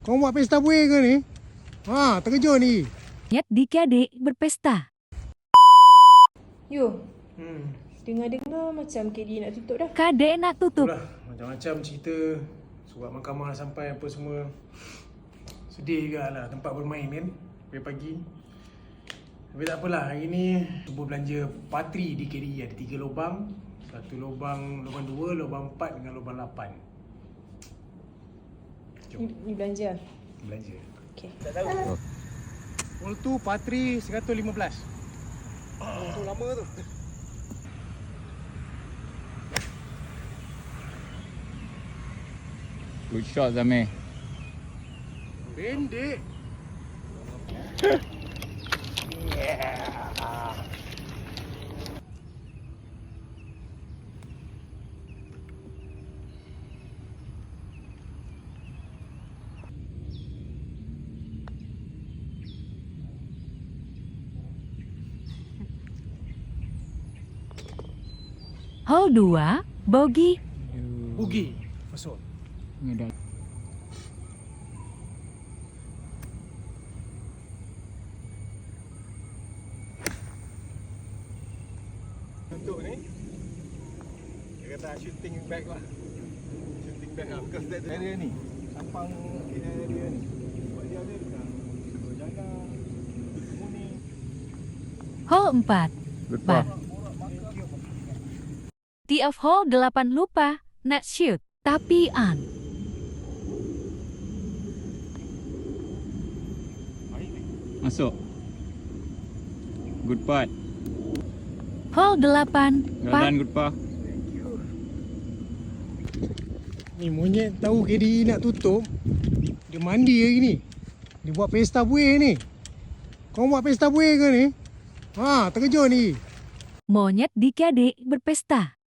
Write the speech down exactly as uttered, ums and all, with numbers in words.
Kau buat pesta buih ke ni? Ha, terkejut ni. Monyet dik-adik berpesta. Yo, Hmm. dengar-dengar macam K D nak tutup dah. Kadek nak tutup. Itulah, macam-macam cerita. Surat mahkamah sampai apa semua. Sedih juga lah tempat bermain kan. Pagi-pagi. Tapi tak apalah, hari ni cuba belanja patri di K D. Ada tiga lubang. Satu lubang, lubang dua, lubang empat dengan lubang lapan. Ni, ni belanja. Belanja. Okay. Tak tahu. Mul tu patri seratus lima belas. Oh, tu lama tu. Good shot Zamir. Pendek. Hole dua, bogey. Bugi. Masuk. Ngedak. Untuk ni dia kata shooting back lah, shooting back lah because that area ni sampang area ni sebab dia ada dekat berjaga semua ni. Hole empat, Good par. par. Tee off hole delapan lupa, not shoot, tapi on. Masuk. Good putt. Hole delapan, Well par. done, good par. Ni monyet tahu K D nak tutup. Dia mandi hari ni. Dia buat pesta buih ni. Kau buat pesta buih ke ni? Ha, terkejut ni. Monyet dik-adik berpesta.